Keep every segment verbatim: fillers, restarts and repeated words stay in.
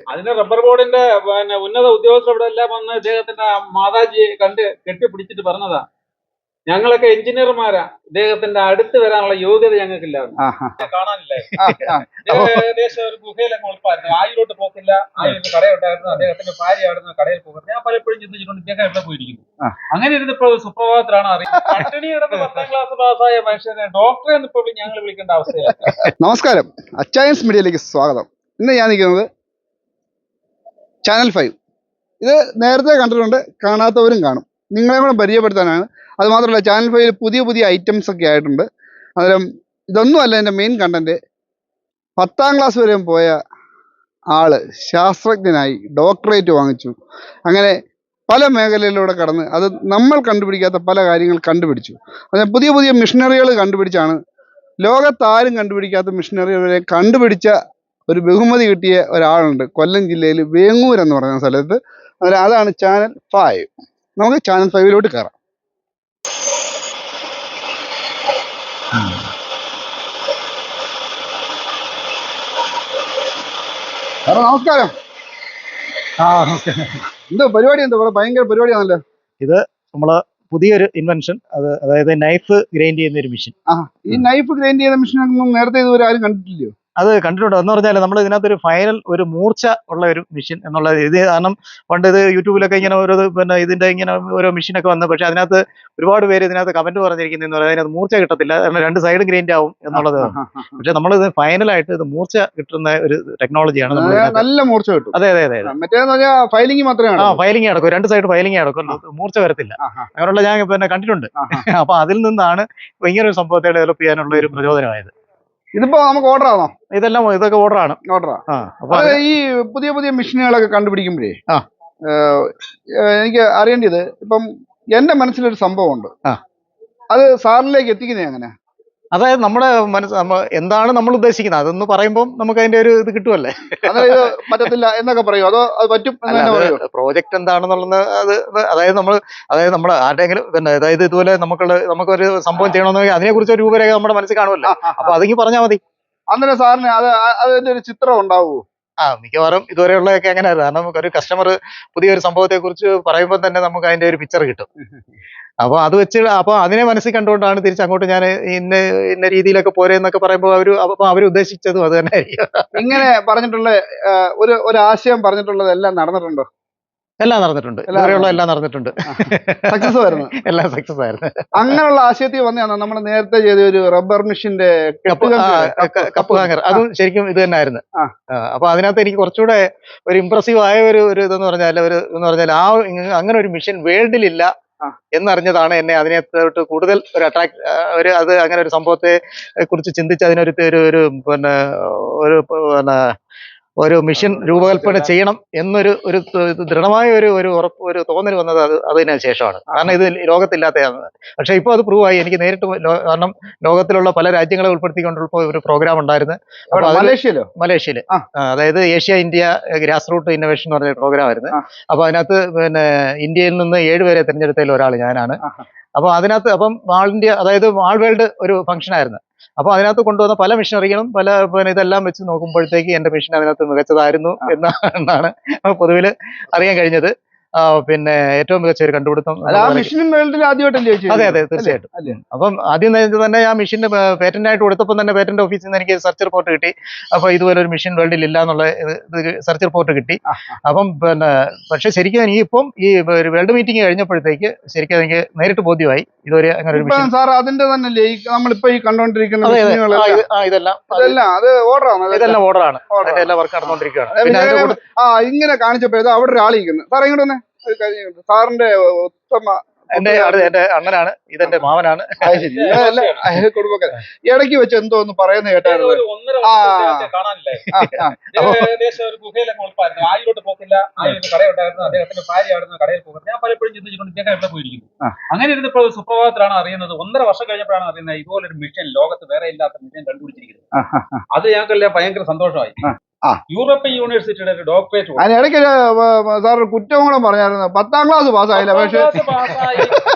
അതിന് റബ്ബർ ബോർഡിന്റെ പിന്നെ ഉന്നത ഉദ്യോഗസ്ഥരുടെ എല്ലാം വന്ന് ഇദ്ദേഹത്തിന്റെ മാതാജിയെ കണ്ട് കെട്ടിപ്പിടിച്ചിട്ട് പറഞ്ഞതാ, ഞങ്ങളൊക്കെ എഞ്ചിനീയർമാരാ, ഇദ്ദേഹത്തിന്റെ അടുത്ത് വരാനുള്ള യോഗ്യത ഞങ്ങൾക്കില്ല. കാണാനില്ലേ, ഏകദേശം ഒരു ഗുഹയിലൊക്കെ ഉൾപ്പായിരുന്നു. ആയിലോട്ട് പോക്കില്ല, ആയിരത്തി കടയുണ്ടായിരുന്നു, അദ്ദേഹത്തിന്റെ ഭാര്യ ആയിരുന്നു കടയിൽ പോകുന്നത്. ഞാൻ പലപ്പോഴും ചിന്തിച്ചിട്ടുണ്ട് ഇദ്ദേഹം എവിടെ പോയിരിക്കുന്നു. അങ്ങനെ ഇരുന്നപ്പോൾ സുപ്രഭാതത്തിലാണ് അറിയുന്നത് പട്ടിണി കിടന്ന് പത്താം ക്ലാസ് പാസ്സായ മനുഷ്യനെ ഡോക്ടറെ ഇപ്പോൾ ഞങ്ങൾ വിളിക്കേണ്ട അവസ്ഥയാണ്. നമസ്കാരം, അച്ചായൻസ് മീഡിയയിലേക്ക് സ്വാഗതം. ഇന്ന് ഞാൻ നിൽക്കുന്നത് ചാനൽ ഫൈവ്. ഇത് നേരത്തെ കണ്ടിട്ടുണ്ട്, കാണാത്തവരും കാണും. നിങ്ങളെ കൂടെ പരിചയപ്പെടുത്താനാണ്. അതുമാത്രമല്ല, ചാനൽ ഫൈവിൽ പുതിയ പുതിയ ഐറ്റംസ് ഒക്കെ ആയിട്ടുണ്ട്. അന്നേരം ഇതൊന്നുമല്ല എൻ്റെ മെയിൻ കണ്ടന്റ്. പത്താം ക്ലാസ് വരെ പോയ ആള് ശാസ്ത്രജ്ഞനായി ഡോക്ടറേറ്റ് വാങ്ങിച്ചു. അങ്ങനെ പല മേഖലയിലൂടെ കടന്ന് അത് നമ്മൾ കണ്ടുപിടിക്കാത്ത പല കാര്യങ്ങൾ കണ്ടുപിടിച്ചു. അങ്ങനെ പുതിയ പുതിയ മിഷനറികൾ കണ്ടുപിടിച്ചാണ്, ലോകത്താരും കണ്ടുപിടിക്കാത്ത മിഷനറികളെ കണ്ടുപിടിച്ച ഒരു ബഹുമതി കിട്ടിയ ഒരാളുണ്ട് കൊല്ലം ജില്ലയിൽ വേങ്ങൂർ എന്ന് പറയുന്ന സ്ഥലത്ത്. അന്നേരം അതാണ് ചാനൽ ഫൈവ്. നമുക്ക് ചാനൽ ഫൈവിലോട്ട് കയറാം. നമസ്കാരം. ആ നമസ്കാരം. എന്തോ പരിപാടി? എന്തോ ഇവിടെ ഭയങ്കര പരിപാടിയാണല്ലോ. ഇത് നമ്മള് പുതിയൊരു ഇൻവെൻഷൻ, അത് അതായത് നൈഫ് ഗ്രൈൻഡ് ചെയ്യുന്ന ഒരു മെഷീൻ. ആ, ഈ നൈഫ് ഗ്രൈൻഡ് ചെയ്യുന്ന മെഷീൻ നേരത്തെ ഇതുവരെ ആരും കണ്ടിട്ടില്ലയോ? അത് കണ്ടിട്ടുണ്ട്. എന്ന് പറഞ്ഞാൽ നമ്മൾ ഇതിനകത്തൊരു ഫൈനൽ ഒരു മൂർച്ച ഉള്ള ഒരു മെഷീൻ എന്നുള്ള ഇത്, കാരണം പണ്ട് ഇത് യൂട്യൂബിലൊക്കെ ഇങ്ങനെ ഓരോ പിന്നെ ഇതിന്റെ ഇങ്ങനെ ഓരോ മെഷീനൊക്കെ വന്നു. പക്ഷെ അതിനകത്ത് ഒരുപാട് പേര് ഇതിനകത്ത് കമന്റ് പറഞ്ഞിരിക്കുന്നതെന്ന് പറയുന്നത് അതിനകത്ത് മൂർച്ച കിട്ടത്തില്ല, കാരണം രണ്ട് സൈഡ് ഗ്രൈൻഡ് ആവും എന്നുള്ളത്. പക്ഷെ നമ്മളിത് ഫൈനലായിട്ട് ഇത് മൂർച്ച കിട്ടുന്ന ഒരു ടെക്നോളജിയാണ്. നല്ല മൂർച്ച കിട്ടും. അതെ അതെ അതെ. ഫൈലിംഗ് മാത്രമേ ആ ഫൈലിംഗ് നടക്കും, രണ്ട് സൈഡ് ഫൈലിംഗ് നടക്കും, മൂർച്ച വരത്തില്ല. അങ്ങനെയുള്ള ഞാൻ പിന്നെ കണ്ടിട്ടുണ്ട്. അപ്പൊ അതിൽ നിന്നാണ് ഇങ്ങനെ ഒരു സംഭവത്തെ ഡെവലപ്പ് ചെയ്യാനുള്ള ഒരു പ്രചോദനമായത്. ഇതിപ്പോ നമുക്ക് ഓർഡർ ആണോ? ഇതെല്ലാം ഇതൊക്കെ ഓർഡറാണ്. ഓർഡറാ. ഈ പുതിയ പുതിയ മെഷീനുകളൊക്കെ കണ്ടുപിടിക്കുമ്പോഴേ എനിക്ക് അറിയേണ്ടത്, ഇപ്പം എന്റെ മനസ്സിലൊരു സംഭവം ഉണ്ട്, അത് സാറിലേക്ക് എത്തിക്കുന്നേ എങ്ങനെ? അതായത് നമ്മുടെ മനസ്സ് എന്താണ് നമ്മൾ ഉദ്ദേശിക്കുന്നത് അതൊന്ന് പറയുമ്പോൾ നമുക്ക് അതിന്റെ ഒരു ഇത് കിട്ടുമല്ലേ. അതായത് പറ്റത്തില്ല എന്നൊക്കെ പറയും, അതോ അത് പറ്റും? പ്രോജക്റ്റ് എന്താണെന്നുള്ളത് അത് അതായത് നമ്മൾ അതായത് നമ്മുടെ ആരുടെയെങ്കിലും പിന്നെ അതായത് ഇതുപോലെ നമുക്കുള്ള നമുക്കൊരു സംഭവം ചെയ്യണമെന്ന് അതിനെ കുറിച്ച് ഒരു രൂപരേഖ നമ്മുടെ മനസ്സിൽ കാണുമല്ലോ. അപ്പൊ അതെങ്കിൽ പറഞ്ഞാൽ മതി. അന്നേരം സാറിന് അത് അതിന്റെ ഒരു ചിത്രം ഉണ്ടാവുമോ? ആ മിക്കവാറും ഇതുവരെയുള്ളതൊക്കെ അങ്ങനെയായിരുന്നു. കാരണം നമുക്കൊരു കസ്റ്റമർ പുതിയൊരു സംഭവത്തെ കുറിച്ച് പറയുമ്പോൾ തന്നെ നമുക്ക് അതിന്റെ ഒരു പിക്ചർ കിട്ടും. അപ്പൊ അത് വെച്ച് അപ്പൊ അതിനെ മനസ്സിൽ കണ്ടുകൊണ്ടാണ് തിരിച്ച് അങ്ങോട്ട് ഞാൻ ഇന്ന ഇന്ന രീതിയിലൊക്കെ പോരെ എന്നൊക്കെ പറയുമ്പോൾ അവര് അപ്പൊ അവർ ഉദ്ദേശിച്ചതും അത് തന്നെ ആയിരിക്കും. ഇങ്ങനെ പറഞ്ഞിട്ടുള്ള ഒരു ഒരു ആശയം പറഞ്ഞിട്ടുള്ളത് എല്ലാം നടന്നിട്ടുണ്ടോ? എല്ലാം നടന്നിട്ടുണ്ട്, ഇതുവരെയുള്ള എല്ലാം നടന്നിട്ടുണ്ട്. സക്സസ് ആയിരുന്നു, എല്ലാം സക്സസ് ആയിരുന്നു. അങ്ങനെയുള്ള ആശയത്തിൽ വന്നതാണ് നമ്മൾ നേരത്തെ ചെയ്ത ഒരു റബ്ബർ മെഷീന്റെ കപ്പ് ഹാങ്ങർ. അതും ശരിക്കും ഇത് തന്നെ ആയിരുന്നു. അപ്പൊ അതിനകത്ത് എനിക്ക് കുറച്ചുകൂടെ ഒരു ഇംപ്രസീവ് ആയ ഒരു ഒരു ഇതെന്ന് പറഞ്ഞാൽ ഒരു എന്ന് പറഞ്ഞാൽ ആ അങ്ങനെ ഒരു മെഷീൻ വേൾഡിലില്ല എന്നറിഞ്ഞതാണ് എന്നെ അതിനകത്തോട്ട് കൂടുതൽ ഒരു അട്രാക്ട് ഒരു അത് അങ്ങനെ ഒരു സംഭവത്തെ കുറിച്ച് ചിന്തിച്ച് അതിനൊരു ഒരു പിന്നെ ഒരു പിന്നെ ഒരു മിഷൻ രൂപകൽപ്പന ചെയ്യണം എന്നൊരു ഒരു ദൃഢമായ ഒരു ഒരു ഉറപ്പ് ഒരു തോന്നൽ വന്നത് അത് അതിന് ശേഷമാണ്. കാരണം ഇത് ലോകത്തില്ലാത്തതാണ്. പക്ഷെ ഇപ്പോൾ അത് പ്രൂവ് ആയി. എനിക്ക് നേരിട്ട് കാരണം ലോകത്തിലുള്ള പല രാജ്യങ്ങളെ ഉൾപ്പെടുത്തിക്കൊണ്ടുള്ള ഒരു പ്രോഗ്രാം ഉണ്ടായിരുന്നു. മലേഷ്യയിലോ? മലേഷ്യയില് അതായത് Asia India grass root innovation എന്ന് പറഞ്ഞ പ്രോഗ്രാം ആയിരുന്നു. അപ്പൊ അതിനകത്ത് പിന്നെ ഇന്ത്യയിൽ നിന്ന് ഏഴുപേരെ തിരഞ്ഞെടുത്തതിൽ ഒരാൾ ഞാനാണ്. അപ്പൊ അതിനകത്ത് അപ്പം ആൾ ഇന്ത്യ അതായത് ആൾ വേൾഡ് ഒരു ഫംഗ്ഷൻ ആയിരുന്നു. അപ്പൊ അതിനകത്ത് കൊണ്ടുവന്ന പല മിഷനറികളും പല പിന്നെ ഇതെല്ലാം വെച്ച് നോക്കുമ്പോഴത്തേക്ക് എന്റെ മിഷൻ അതിനകത്ത് മികച്ചതായിരുന്നു എന്നാണ് പൊതുവിൽ അറിയാൻ കഴിഞ്ഞത്. പിന്നെ ഏറ്റവും മികച്ച ഒരു കണ്ടുപിടുത്തം. അതെ അതെ തീർച്ചയായിട്ടും. അപ്പം ആദ്യം തന്നെ ആ മെഷീന് പേറ്റന്റ് ആയിട്ട് കൊടുത്തപ്പോൾ തന്നെ പേറ്റന്റ് ഓഫീസിൽ നിന്ന് എനിക്ക് സെർച്ച് റിപ്പോർട്ട് കിട്ടി. അപ്പൊ ഇതുപോലെ ഒരു മെഷീൻ വേൾഡിൽ ഇല്ല എന്നുള്ള സെർച്ച് റിപ്പോർട്ട് കിട്ടി. അപ്പം പിന്നെ പക്ഷെ ശരിക്കും എനിക്കിപ്പം ഈ വേൾഡ് മീറ്റിംഗ് കഴിഞ്ഞപ്പോഴത്തേക്ക് ശരിക്കും എനിക്ക് നേരിട്ട് ബോധ്യമായി ഇതുവരെ അങ്ങനെ ഒരു മെഷീൻ. സാർ അതിന്റെ തന്നെ നമ്മളിപ്പോ ഈ കണ്ടുകൊണ്ടിരിക്കുന്ന ഇതെല്ലാം ഇതെല്ലാം ഓർഡറാണ്, എല്ലാം വർക്ക് നടന്നുകൊണ്ടിരിക്കുകയാണ്. ആ ഇങ്ങനെ കാണിച്ചപ്പോഴേ അവിടെ ഒരാളിരിക്കുന്നു. സാർ ഇങ്ങോട്ട് തന്നെ സാറിന്റെ ഉത്തമ എന്റെ എന്റെ അണ്ണനാണ്, ഇതെന്റെ മാവനാണ്. കുടുംബക്കാരൻ. ഇടയ്ക്ക് വെച്ച് എന്തോ ഒന്ന് പറയുന്ന കേട്ടായിരുന്നു. കാണാനില്ലേ, ഏകദേശം ഒരു ഗുഹയിലൊക്കെ ഉൾപ്പായിരുന്നു. ആയിലോട്ട് പോക്കില്ല, ആയിരത്തി കടയുണ്ടായിരുന്നു, അദ്ദേഹത്തിന്റെ ഭാര്യ ആയിരുന്നു കടയിൽ പോകുന്നത്. ഞാൻ പലപ്പോഴും ചിന്തിച്ചിട്ടുണ്ട് ഇദ്ദേഹം എവിടെ പോയിരിക്കുന്നു. അങ്ങനെ ഇരുന്നപ്പോൾ സുപ്രഭാതത്തിലാണ് അറിയുന്നത്, ഒന്നര വർഷം കഴിഞ്ഞപ്പോഴാണ് അറിയുന്നത് ഇതുപോലൊരു മിഷൻ ലോകത്ത് വേറെ ഇല്ലാത്ത മിഷൻ കണ്ടുപിടിച്ചിരിക്കുന്നത്. അത് ഞങ്ങൾക്കെല്ലാം ഭയങ്കര സന്തോഷമായി. യൂറോപ്യൻ യൂണിവേഴ്സിറ്റിയുടെ ഒരു ഡോക്ടറേറ്റ്. അതിനിടയ്ക്ക് സാർ കുറ്റവും കൂടെ പറഞ്ഞായിരുന്നു, പത്താം ക്ലാസ് പാസ്സായില്ല. പക്ഷേ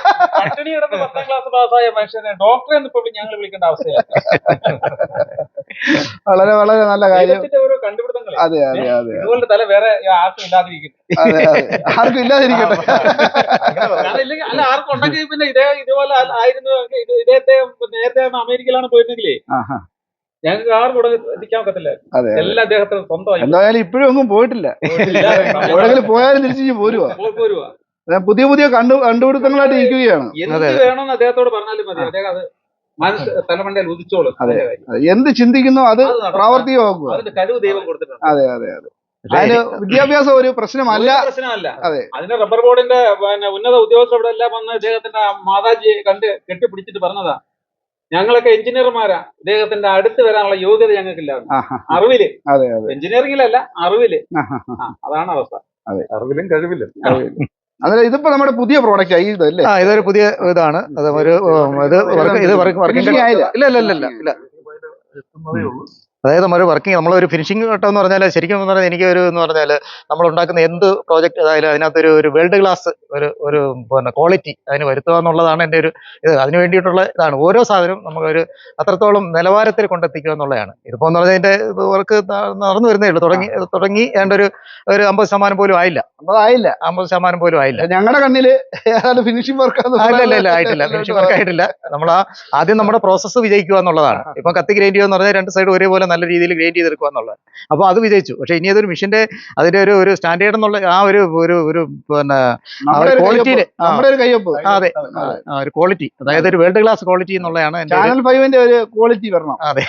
പട്ടിണി കിടന്ന് പത്താം ക്ലാസ് പാസ്സായ മനുഷ്യനെ ഡോക്ടറെ ഇപ്പോൾ ഞങ്ങൾ വിളിക്കേണ്ട അവസ്ഥയാണ്. വളരെ വളരെ നല്ല കാര്യം. ദൈവത്തിന്റെ ഓരോ കണ്ടുപിടുത്തങ്ങളെ അതെ അതെ അതെ ഇതുപോലെ തല വേറെ ആർക്കും ഇല്ലാതിരിക്കും. അതെ അതെ ആർക്കും ഇല്ലാതിരിക്കട്ടെ. കാരണം ഇല്ലെങ്കിൽ അല്ല ആർക്കും ഉണ്ടെങ്കിൽ പിന്നെ ഇതേ ഇതുപോലെ ആയിരുന്നു. ഇത് ഇദ്ദേഹത്തെ നേരത്തെ അമേരിക്കയിലാണ് പോയിരുന്നെങ്കിലേ ആഹാ. ഞങ്ങൾക്ക് ആർക്കും ഇവിടെ എത്തിക്കാൻ പറ്റത്തില്ല. അതെ എല്ലാ അദ്ദേഹത്തിന് സ്വന്തമായി എന്തായാലും ഇപ്പോഴും ഒന്നും പോയിട്ടില്ല. എവിടെങ്കിലും പോയാലും തിരിച്ചു പോരുവാ. പോരുവാ. പുതിയ പുതിയ കണ്ടു കണ്ടുപിടുത്തങ്ങളായിട്ട് ഇരിക്കുകയാണ്. എന്ത് വേണമെന്ന് അദ്ദേഹത്തോട് പറഞ്ഞാലും മതി. അദ്ദേഹം അത് മനസ്സ് തലമണ്ടയിൽ ഉദിച്ചോളും. അതെ എന്ത് ചിന്തിക്കുന്നോ അത് പ്രാവർത്തികമാക്കുക. അതിന്റെ കഴിവ് ദൈവം കൊടുത്തിട്ടുണ്ട്. അതെ അതെ അതെ അതിന് വിദ്യാഭ്യാസം ഒരു പ്രശ്നമല്ല. പ്രശ്നമല്ല. അതെ അതിന് റബ്ബർ ബോർഡിന്റെ പിന്നെ ഉന്നത ഉദ്യോഗസ്ഥരുടെ എല്ലാം വന്ന് ഇദ്ദേഹത്തിന്റെ മാതാജിയെ കണ്ട് കെട്ടിപ്പിടിച്ചിട്ട് പറഞ്ഞതാ, ഞങ്ങളൊക്കെ എഞ്ചിനീയർമാരാ, ഇദ്ദേഹത്തിന്റെ അടുത്ത് വരാനുള്ള യോഗ്യത ഞങ്ങൾക്കില്ല. അറിവില്. അതെ അതെ എഞ്ചിനീയറിംഗിലല്ല, അറിവില്. അതാണ് അവസ്ഥ. അതെ അറിവിലും കഴിവിലും. അതെ ഇതിപ്പോ നമ്മുടെ പുതിയ പ്രോഡക്റ്റ് ആയി ഇതല്ലേ? ആ ഇതൊരു പുതിയ ഇതാണ്. അത് ഒരു ഇത് വർക്ക് ഇത് വർക്കിംഗ് ആയില്ല. ഇല്ല ഇല്ല ഇല്ല ഇല്ല അതായത് നമ്മൾ വർക്കിംഗ് നമ്മളൊരു ഫിനിഷിംഗ് ഘട്ടം എന്ന് പറഞ്ഞാൽ ശരിക്കും എന്ന് പറഞ്ഞാൽ എനിക്ക് ഒരു എന്ന് പറഞ്ഞാൽ നമ്മൾ ഉണ്ടാക്കുന്ന എന്ത് പ്രോജക്റ്റ് അതായാലും അതിനകത്തൊരു ഒരു വേൾഡ് ക്ലാസ് ഒരു ഒരു പിന്നെ ക്വാളിറ്റി അതിന് വരുത്തുക എന്നുള്ളതാണ് എൻ്റെ ഒരു ഇത്. അതിന് വേണ്ടിയിട്ടുള്ള ഇതാണ്. ഓരോ സാധനവും നമുക്കൊരു അത്രത്തോളം നിലവാരത്തിൽ കൊണ്ടെത്തിക്കുക എന്നുള്ളതാണ്. ഇതിപ്പോൾ എന്ന് പറഞ്ഞാൽ അതിൻ്റെ വർക്ക് നടന്നു വരുന്നേ ഉള്ളൂ. തുടങ്ങി തുടങ്ങി ഏതാണ്ട് ഒരു ഒരു അമ്പത് ശതമാനം പോലും ആയില്ല. അമ്പത് ആയില്ല അമ്പത് ശതമാനം പോലും ആയില്ല. ഞങ്ങളുടെ കണ്ണില് ഫിനിഷിംഗ് വർക്ക് ഇല്ല ഇല്ല ആയിട്ടില്ല. ഫിനിഷിംഗ് വർക്ക് ആയിട്ടില്ല. നമ്മൾ ആ ആദ്യം നമ്മുടെ പ്രോസസ്സ് വിജയിക്കുക എന്നുള്ളതാണ്. ഇപ്പൊ കത്തി ഗ്രൈൻഡ് ചെയ്യുക എന്ന് പറഞ്ഞാൽ രണ്ട് സൈഡ് ഒരേപോലെ നല്ല രീതിയിൽ ഗ്രൈൻഡ് ചെയ്തെടുക്കുക എന്നുള്ളത്. അപ്പോൾ അത് വിജയിച്ചു. പക്ഷേ ഇനി അതൊരു മിഷന്റെ അതിന്റെ ഒരു ഒരു സ്റ്റാൻഡേർഡ് എന്നുള്ള ആ ഒരു ഒരു ഒരു പിന്നെ ക്വാളിറ്റിയില് അതെ ഒരു ക്വാളിറ്റി അതായത് ഒരു വേൾഡ് ക്ലാസ് ക്വാളിറ്റി എന്നുള്ളതാണ് ചാനൽ ഫൈവിന്റെ ഒരു ക്വാളിറ്റി വരണം. അതെ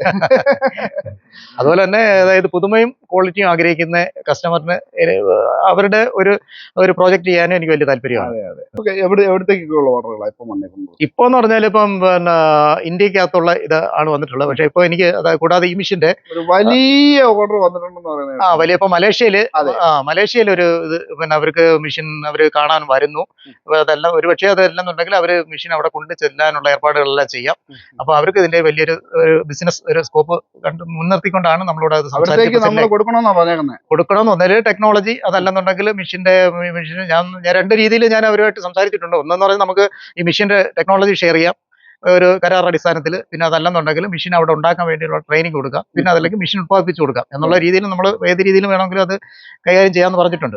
അതുപോലെ തന്നെ അതായത് പുതുമയും ക്വാളിറ്റിയും ആഗ്രഹിക്കുന്ന കസ്റ്റമറിന് അവരുടെ ഒരു ഒരു പ്രോജക്റ്റ് ചെയ്യാനും എനിക്ക് വലിയ താല്പര്യമാണ്. എവിടത്തേക്കുള്ള ഓർഡറുകളാണ് ഇപ്പം വന്നേക്കുന്നത്? ഇപ്പൊ എന്ന് പറഞ്ഞാൽ ഇപ്പം പിന്നെ ഇന്ത്യക്കകത്തുള്ള ഇത് ആണ് വന്നിട്ടുള്ളത്. പക്ഷെ ഇപ്പൊ എനിക്ക് കൂടാതെ ഈ മിഷന്റെ വലിയ ഓർഡർ വന്നിട്ടുണ്ടെന്ന് പറയുന്നത്. ആ വലിയ ഇപ്പൊ മലേഷ്യയില് ആ മലേഷ്യയിൽ ഒരു ഇത് പിന്നെ അവർക്ക് മിഷൻ അവര് കാണാൻ വരുന്നു. അതെല്ലാം ഒരു പക്ഷേ അതല്ലെന്നുണ്ടെങ്കിൽ അവര് മിഷൻ അവിടെ കൊണ്ട് ചെല്ലാനുള്ള ഏർപ്പാടുകളെല്ലാം ചെയ്യാം. അപ്പൊ അവർക്ക് ഇതിന്റെ വലിയൊരു ഒരു ബിസിനസ് ഒരു സ്കോപ്പ് കണ്ട് മുൻനിർത്തിക്കൊണ്ടാണ് നമ്മളോട് അത് കൊടുക്കണമെന്ന് ഒന്നൊരു ടെക്നോളജി അതല്ലെന്നുണ്ടെങ്കിൽ മിഷന്റെ മിഷൻ ഞാൻ ഞാൻ രണ്ട് രീതിയിൽ ഞാൻ അവരുമായിട്ട് സംസാരിച്ചിട്ടുണ്ട്. ഒന്നെന്ന് പറഞ്ഞാൽ നമുക്ക് ഈ മിഷന്റെ ടെക്നോളജി ഷെയർ ചെയ്യാം ഒരു കരാർ അടിസ്ഥാനത്തിൽ. പിന്നെ അതല്ലെന്നുണ്ടെങ്കിൽ മെഷീൻ അവിടെ ഉണ്ടാക്കാൻ വേണ്ടിയുള്ള ട്രെയിനിങ് കൊടുക്കാം. പിന്നെ അതല്ലെങ്കിൽ മെഷീൻ ഉത്പാദിപ്പിച്ചു കൊടുക്കാം എന്നുള്ള രീതിയിൽ നമ്മൾ ഏത് രീതിയിലും വേണമെങ്കിലും അത് കൈകാര്യം ചെയ്യാമെന്ന് പറഞ്ഞിട്ടുണ്ട്.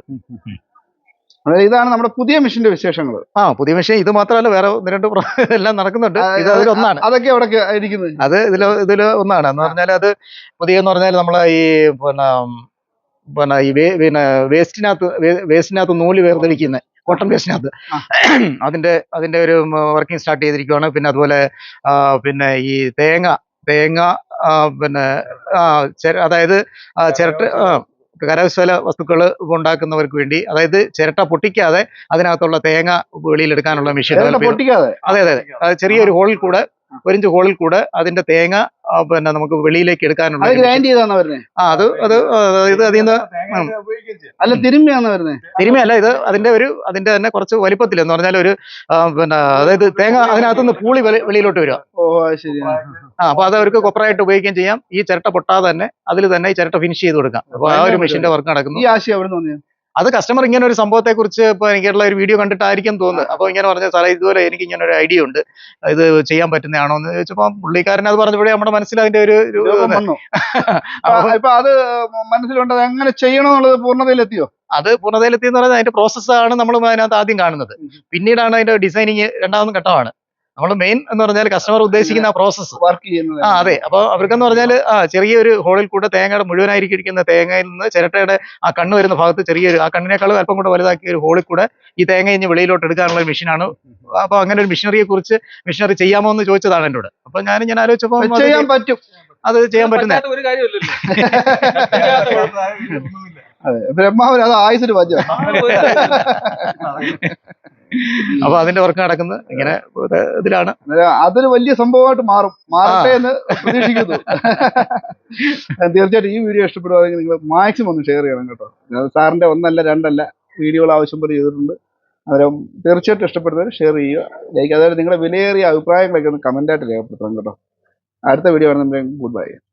ഇതാണ് നമ്മുടെ പുതിയ മെഷീന്റെ വിശേഷങ്ങൾ. ആ പുതിയ മെഷീൻ ഇത് മാത്രമല്ല വേറെ ഒന്ന് രണ്ട് എല്ലാം നടക്കുന്നുണ്ട്. ഇത് അതിലൊന്നാണ്. അതൊക്കെ എവിടെ ഇരിക്കുന്നത്? അത് ഇതില് ഇതില് ഒന്നാണ് എന്ന് പറഞ്ഞാൽ അത് പുതിയ എന്ന് പറഞ്ഞാൽ നമ്മളെ ഈ പിന്നെ പിന്നെ ഈ പിന്നെ വേസ്റ്റിനകത്ത് വേസ്റ്റിനകത്ത് നൂല് വേർതിരിക്കുന്ന കോട്ടൺ വേസ്റ്റിനകത്ത് അതിന്റെ അതിന്റെ ഒരു വർക്കിംഗ് സ്റ്റാർട്ട് ചെയ്തിരിക്കുകയാണ്. പിന്നെ അതുപോലെ പിന്നെ ഈ തേങ്ങ തേങ്ങ പിന്നെ അതായത് ചിരട്ട കരകൗശല വസ്തുക്കൾ ഉണ്ടാക്കുന്നവർക്ക് വേണ്ടി അതായത് ചിരട്ട പൊട്ടിക്കാതെ അതിനകത്തുള്ള തേങ്ങ വെളിയിലെടുക്കാനുള്ള മെഷീൻ. അതെ അതെ അതെ ചെറിയൊരു ഹോളിൽ കൂടെ ഒരിഞ്ച് ഹോളിൽ കൂടെ അതിന്റെ തേങ്ങ പിന്നെ നമുക്ക് വെളിയിലേക്ക് എടുക്കാനുള്ള ആ അത് അത് ഇത് അതിൽ നിന്ന് അല്ല തിരുമ്മിയാന്ന് വരുന്നത്. തിരുമ്മിയല്ല ഇത് അതിന്റെ ഒരു അതിന്റെ തന്നെ കുറച്ച് വലിപ്പത്തിൽ എന്ന് പറഞ്ഞാൽ ഒരു പിന്നെ അതായത് തേങ്ങ അതിനകത്തുനിന്ന് പൂളി വെളിയിലോട്ട് വരിക. ആ അപ്പൊ അത് അവർക്ക് കൊപ്പറായിട്ട് ഉപയോഗിക്കുകയും ചെയ്യാം. ഈ ചിരട്ട പൊട്ടാതെ തന്നെ അതിൽ തന്നെ ഈ ചിരട്ട ഫിനിഷ് ചെയ്ത് കൊടുക്കാം. അപ്പൊ ആ ഒരു മെഷീന്റെ വർക്ക് നടക്കുന്നു. ഈ ആശയം എവിടെ നിന്ന്? അത് കസ്റ്റമർ ഇങ്ങനെ ഒരു സംഭവത്തെ കുറിച്ച് ഇപ്പൊ എനിക്കുള്ള ഒരു വീഡിയോ കണ്ടിട്ടായിരിക്കും തോന്നുന്നത്. അപ്പൊ ഇങ്ങനെ പറഞ്ഞ സാറേ ഇതുപോലെ എനിക്ക് ഇങ്ങനെ ഒരു ഐഡിയ ഉണ്ട്, ഇത് ചെയ്യാൻ പറ്റുന്നതാണോ എന്ന് ചോദിച്ചപ്പോ പുള്ളിക്കാരൻ അത് പറഞ്ഞപ്പോഴേ നമ്മുടെ മനസ്സിൽ അതിന്റെ ഒരു ഇപ്പൊ അത് മനസ്സിലുണ്ട് എങ്ങനെ ചെയ്യണമെന്നുള്ളത് പൂർണ്ണതയിലെത്തിയോ? അത് പൂർണ്ണതയിലെത്തി എന്ന് പറയുന്നത് അതിന്റെ പ്രോസസ്സാണ് നമ്മൾ അതിനകത്ത് ആദ്യം കാണുന്നത്. പിന്നീടാണ് അതിന്റെ ഡിസൈനിങ് രണ്ടാമതും ഘട്ടമാണ്. നമ്മൾ മെയിൻ എന്ന് പറഞ്ഞാൽ കസ്റ്റമർ ഉദ്ദേശിക്കുന്ന പ്രോസസ്സ് വർക്ക് ചെയ്യുന്നത്. ആ അതെ. അപ്പൊ അവർക്കെന്ന് പറഞ്ഞാൽ ആ ചെറിയൊരു ഹോളിൽ കൂടെ തേങ്ങയുടെ മുഴുവനായിരിക്കുന്ന തേങ്ങയിൽ നിന്ന് ചിരട്ടയുടെ ആ കണ്ണ് വരുന്ന ഭാഗത്ത് ചെറിയൊരു ആ കണ്ണിനേക്കാളും അല്പം കൂടെ വലുതാക്കിയ ഒരു ഹോളിൽ കൂടെ ഈ തേങ്ങ ഇഞ്ഞ് വെളിയിലോട്ട് എടുക്കാനുള്ള ഒരു മെഷീനാണ്. അപ്പൊ അങ്ങനെ ഒരു മെഷീനറിയെ കുറിച്ച് മെഷീനറി ചെയ്യാമോ എന്ന് ചോദിച്ചതാണ് എന്നോട്. അപ്പൊ ഞാൻ ഞാൻ ആലോചിച്ചപ്പോ ചെയ്യാൻ പറ്റും, അത് ചെയ്യാൻ പറ്റുന്ന ഒരു കാര്യമില്ലല്ലോ. അതെ ബ്രഹ്മാവിന് അത് ആയുസിന് പറ്റും. അപ്പൊ അതിന്റെ വർക്ക് നടക്കുന്നത് ഇങ്ങനെ ഇതിലാണ്. അതൊരു വലിയ സംഭവമായിട്ട് മാറും മാറട്ടെ എന്ന് പ്രതീക്ഷിക്കുന്നു. തീർച്ചയായിട്ടും ഈ വീഡിയോ ഇഷ്ടപ്പെടുവാണെങ്കിൽ നിങ്ങൾ മാക്സിമം ഒന്ന് ഷെയർ ചെയ്യണം കേട്ടോ. സാറിന്റെ ഒന്നല്ല രണ്ടല്ല വീഡിയോകൾ ആവശ്യം പോലെ ചെയ്തിട്ടുണ്ട്. അന്നേരം തീർച്ചയായിട്ടും ഇഷ്ടപ്പെടുന്നവർ ഷെയർ ചെയ്യുക, ലൈക്ക്. അതായത് നിങ്ങളുടെ വിലയേറിയ അഭിപ്രായങ്ങളൊക്കെ ഒന്ന് കമന്റായിട്ട് രേഖപ്പെടുത്തണം കേട്ടോ. അടുത്ത വീഡിയോ ആണ്. Good by.